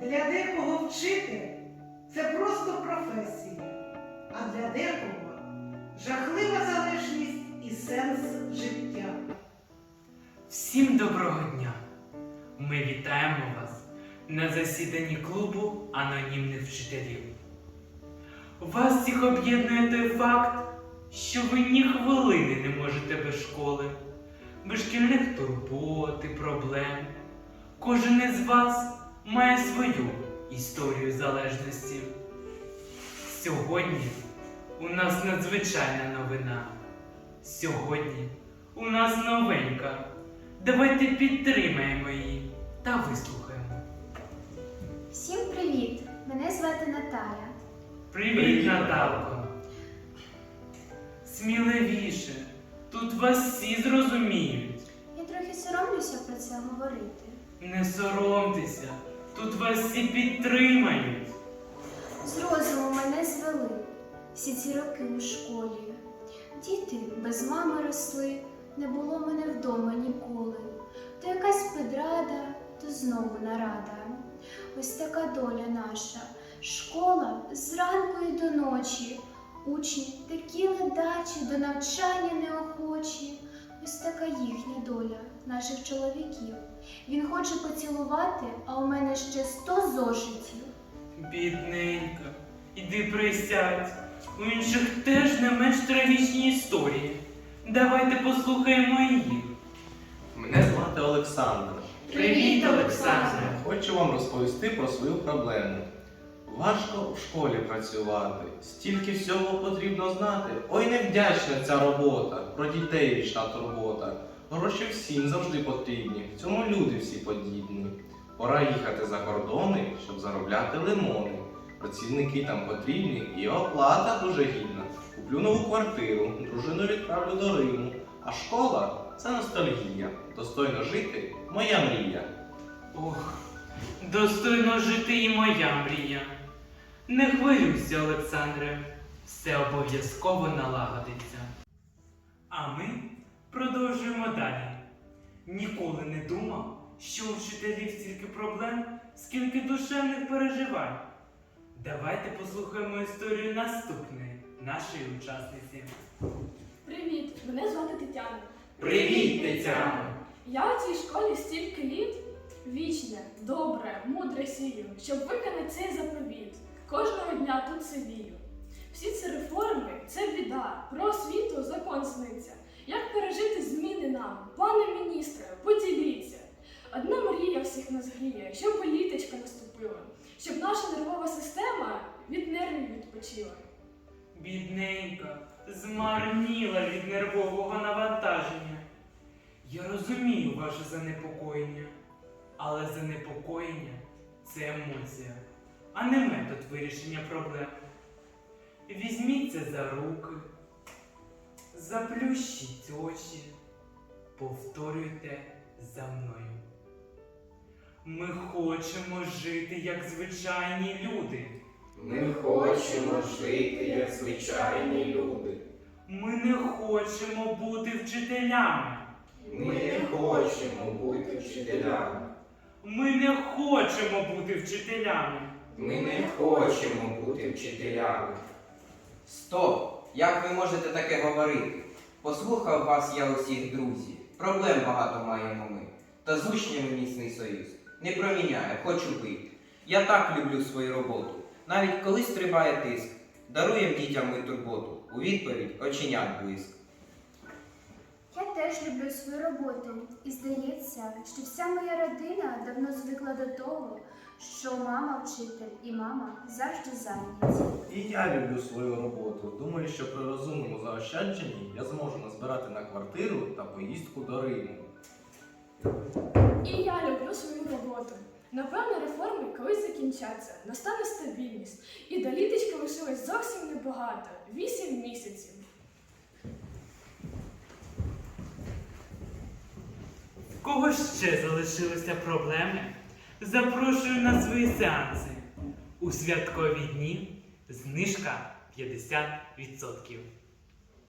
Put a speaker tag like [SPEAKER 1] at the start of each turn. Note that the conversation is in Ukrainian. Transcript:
[SPEAKER 1] Для декого вчитель – це просто професія, а для декого – жахлива залежність і сенс життя.
[SPEAKER 2] Всім доброго дня! Ми вітаємо вас на засіданні клубу анонімних вчителів. Вас всіх об'єднує той факт, що ви ні хвилини не можете без школи, без шкільних турбот і проблем. Кожен із вас має свою історію залежності. Сьогодні у нас надзвичайна новина. Сьогодні у нас новенька. Давайте підтримаємо її та вислухаємо.
[SPEAKER 3] Всім привіт! Мене звати Наталя.
[SPEAKER 2] Привіт, Наталко! Сміливіше, тут вас всі зрозуміють.
[SPEAKER 3] Я трохи соромлюся про це говорити.
[SPEAKER 2] Не соромтеся, тут вас всі підтримають.
[SPEAKER 3] З розуму мене звели всі ці роки у школі. Діти без мами росли, не було мене вдома ніколи. То якась педрада, то знову нарада. Ось така доля наша. Школа зранку і до ночі. Учні такі ледачі, до навчання неохочі. Ось така їхня доля, наших чоловіків. Він хоче поцілувати, а у мене ще 100 зошитів.
[SPEAKER 2] Бідненька, іди присядь. У інших теж не менш трагічні історії. Давайте послухаємо їх.
[SPEAKER 4] Мене звати Олександр.
[SPEAKER 2] Привіт, Олександре!
[SPEAKER 4] Хочу вам розповісти про свою проблему. Важко в школі працювати, стільки всього потрібно знати. Ой, невдячна ця робота, про дітей вічна турбота. Гроші всім завжди потрібні, в цьому люди всі подібні. Пора їхати за кордони, щоб заробляти лимони. Працівники там потрібні і оплата дуже гідна. Куплю нову квартиру, дружину відправлю до Риму. А школа – це ностальгія. Достойно жити – моя мрія.
[SPEAKER 2] Ох, достойно жити і моя мрія. Не хвилюйся, Олександре, все обов'язково налагодиться. А ми продовжуємо далі. Ніколи не думав, що у вчителів стільки проблем, скільки душевних переживань. Давайте послухаємо історію наступної нашої учасниці.
[SPEAKER 5] Привіт, мене звати Тетяна.
[SPEAKER 2] Привіт, Тетяно!
[SPEAKER 5] Я у цій школі стільки літ. Вічне, добре, мудре сію, щоб виконати цей заповіт. Кожного дня тут сивію. Всі ці реформи – це біда. Про освіту закон сниться. Як пережити зміни нам? Пане міністре, поділіться. Одна мрія всіх нас гріє, щоб літочка наступила. Щоб наша нервова система від нервів відпочила.
[SPEAKER 2] Бідненька, змарніла від нервового навантаження. Я розумію ваше занепокоєння, але занепокоєння – це емоція, а не метод вирішення проблем. Візьміться за руки, заплющіть очі, повторюйте за мною. Ми хочемо жити, як звичайні люди.
[SPEAKER 6] Ми хочемо жити, як звичайні люди.
[SPEAKER 2] Ми не хочемо бути вчителями.
[SPEAKER 6] Ми не хочемо бути вчителями.
[SPEAKER 2] Ми не хочемо бути вчителями.
[SPEAKER 6] Ми не хочемо бути вчителями.
[SPEAKER 7] Стоп! Як ви можете таке говорити? Послухав вас я усіх, друзі. Проблем багато маємо ми. Та з учнями міцний союз. Не проміняє, хочу бити. Я так люблю свою роботу. Навіть коли стрибає тиск. Даруєм дітям ми турботу. У відповідь оченят блиск.
[SPEAKER 3] Я теж люблю свою роботу. І здається, що вся моя родина давно звикла до того, що мама вчитель і мама завжди зайняті.
[SPEAKER 4] І я люблю свою роботу. Думаю, що при розумному заощадженні я зможу назбирати на квартиру та поїздку до Риму.
[SPEAKER 5] І я люблю свою роботу. Напевно, реформи колись закінчаться, настане стабільність. І до літочки лишилось зовсім небагато – 8 місяців.
[SPEAKER 2] В кого ще залишилися проблеми? Запрошую на свої сеанси. У святкові дні знижка 50%.